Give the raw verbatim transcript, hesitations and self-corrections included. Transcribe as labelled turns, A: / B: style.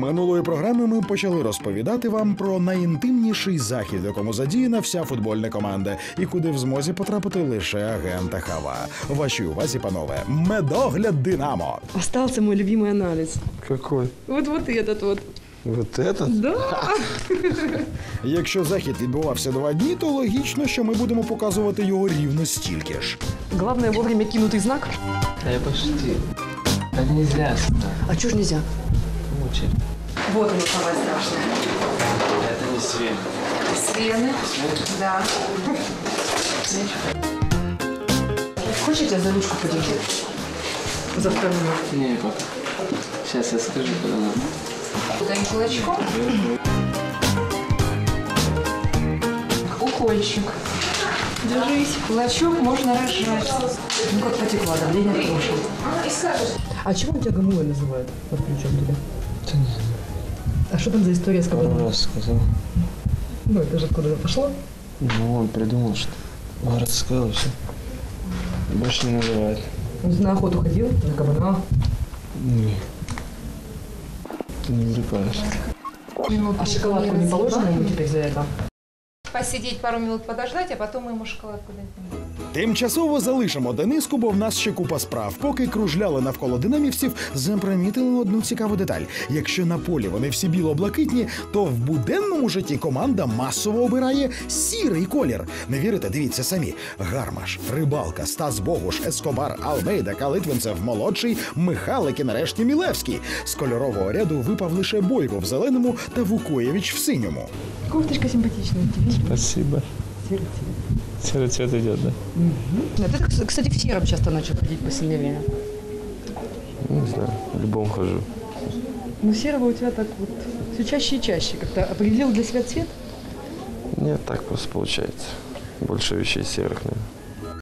A: Минулої програми ми почали розповідати вам про найінтимніший захід, в якому задіяна вся футбольна команда, і куди в змозі потрапити лише агента Хава. Вашій увазі, панове, медогляд «Динамо».
B: Остался мой любимый анализ.
C: Какой?
B: Вот вот этот вот.
C: Вот этот?
B: Да.
A: Якщо захід відбувався два дні, то логічно, що ми будемо показувати його рівно стільки ж.
B: Главное вовремя кинутый знак.
C: Да я пошутил. Так нельзя.
B: А чё ж нельзя?
C: Мучай.
B: Вот оно самое страшное.
C: Это не Свен.
B: Свены. Да. Хочешь, я тебя за ручку подержу? За вторую.
C: Не, пока. Сейчас я скажу, куда надо.
B: Дай кулачком. Укольчик. Держись. Кулачок можно разжать. Ну как потекла, давление прошло. А чего тебя гамуэ называют? Под ключом тебя?
C: Да не знаю.
B: А что там за история с
C: Пару
B: кабаном?
C: раз сказал.
B: Ну это же откуда пошло?
C: Ну, он придумал, что город сказал, и все. Больше не называет.
B: На охоту ходил? На кабана?
C: Не. Ты не увлекаешься.
B: А шоколадку не положено ему теперь за это?
D: Посидеть пару минут, подождать, а потом мы ему шоколадку дадим.
A: Тимчасово залишимо Дениску, бо в нас ще купа справ. Поки кружляли навколо динамівців, запримітили одну цікаву деталь. Якщо на полі вони всі біло-блакитні, то в буденному житті команда масово обирає сірий колір. Не вірите? Дивіться самі. Гармаш, Рибалка, Стас Богуш, Ескобар, Алмейда, Калитвинцев, Молодший, Михалик і нарешті Мілевський. З кольорового ряду випав лише Бойко в зеленому та Вукоєвич в синьому.
B: Кофточка симпатичная.
C: Спасибо.
B: Серый цвет.
C: Серый цвет идет, да?
B: Угу. Ты, кстати, в сером часто начал ходить в последнее время.
C: Не знаю, в любом хожу.
B: Ну, серого у тебя так вот все чаще и чаще. Как-то определил для себя цвет?
C: Нет, так просто получается. Больше вещей серых, наверное.